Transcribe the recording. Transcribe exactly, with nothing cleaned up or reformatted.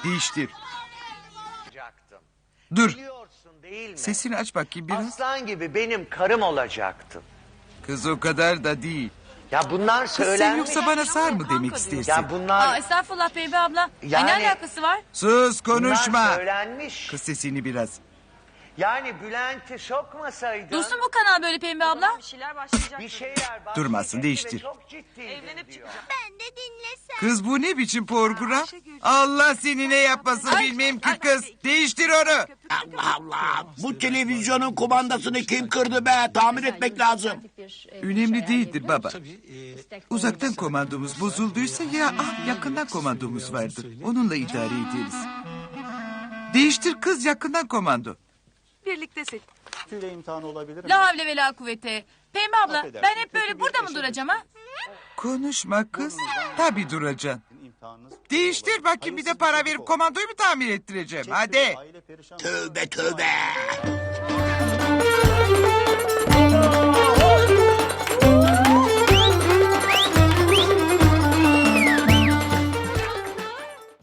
Değiştir. olacaktın. Dur. Biliyorsun değil mi? Sesini aç bakayım biraz. Aslan gibi benim karım olacaktın. Kız o kadar da değil. Ya bunlar Kız sen söylenmiş. yoksa bana sar mı demek istersin? Ya bunlar, Aa, estağfurullah Pembe abla. Yani- Ay, ne alakası var? Sus konuşma. bunlar söylenmiş. Kız sesini biraz. Yani Bülent'i sokmasaydın. Dursun bu kanal böyle Pembe abla. Bir şeyler başlayacak. Bir şeyler başlayacaktı Durmasın, ve değiştir. Çok ciddi. Evlenip çıkacak. Ben de dinlesem. Kız bu ne biçim program? Allah seni ne yapmasın bilmem ki kız. Değiştir onu. Allah Allah. Bu televizyonun kumandasını kim kırdı be? Tamir etmek lazım. Önemli değildir baba. Uzaktan komandomuz bozulduysa ya ah, yakından komandomuz vardır. Onunla idare ederiz. Değiştir kız, yakından komando. Birlikte seç. Tüyle imtihanı olabilir mi? La havle ve la kuvvete. Pembe abla Affedersin, ben hep kötü böyle bir burada mı eşe duracağım ha? Konuşma kız. Tabii duracaksın. İmtihanınız Değiştir bakayım, bir de para verip komandoyu mu tamir ettireceğim? Hadi. Aile perişan. Tövbe tövbe.